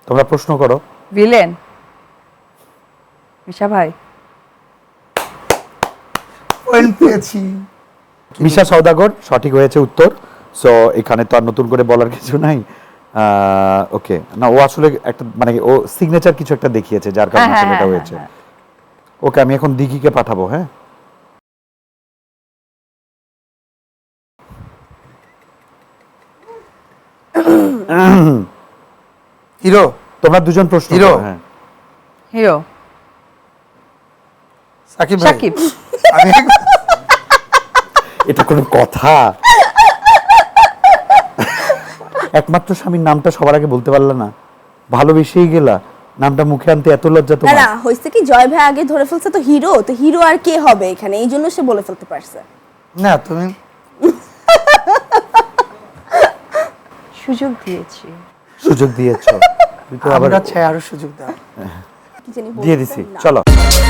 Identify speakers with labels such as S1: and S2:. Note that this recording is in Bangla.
S1: তোমরা প্রশ্ন করো।
S2: ভিলেন মিশা ভাই।
S3: পয়েন্ট পেয়েছি।
S1: মিশা সওদাগর সঠিক হয়েছে উত্তর। সো এখানে তো আর নতুন করে বলার কিছু নাই। ওকে, না ও আসলে একটা মানে ও সিগনেচার কিছু একটা দেখিয়েছে যার কারণে আসলে এটা হয়েছে। ওকে, আমি এখন দিঘিকে পাঠাবো। হ্যাঁ,
S3: হিরো।
S1: তোমরা দুজন প্রশ্ন
S3: হিরো।
S1: করো। হ্যাঁ,
S2: হিরো
S3: সাকিব ভাই।
S2: সাকিব।
S3: আমি
S1: এটা কোনো কথা? একমাত্র স্বামীর নামটা সবার আগে বলতে পারলা না? ভালোবেসেই গেলা, নামটা মুখে আনতে এত লজ্জা
S4: না
S1: তোমার?
S4: না হইছে কি জয় ভাই আগে ধরে ফেলছে তো হিরো, তো হিরো আর কে হবে এখানে, এই জন্য সে বলে ফেলতে পারছে।
S3: না তুমি
S2: সুযোগ দিয়েছি।
S1: সুযোগ দিয়েছো, তুই তো আবার
S3: আমরা চাই আরো সুযোগ দাও।
S4: কি জানি
S1: দিয়ে
S4: বলতে
S1: দিছি।
S4: না।
S1: চলো।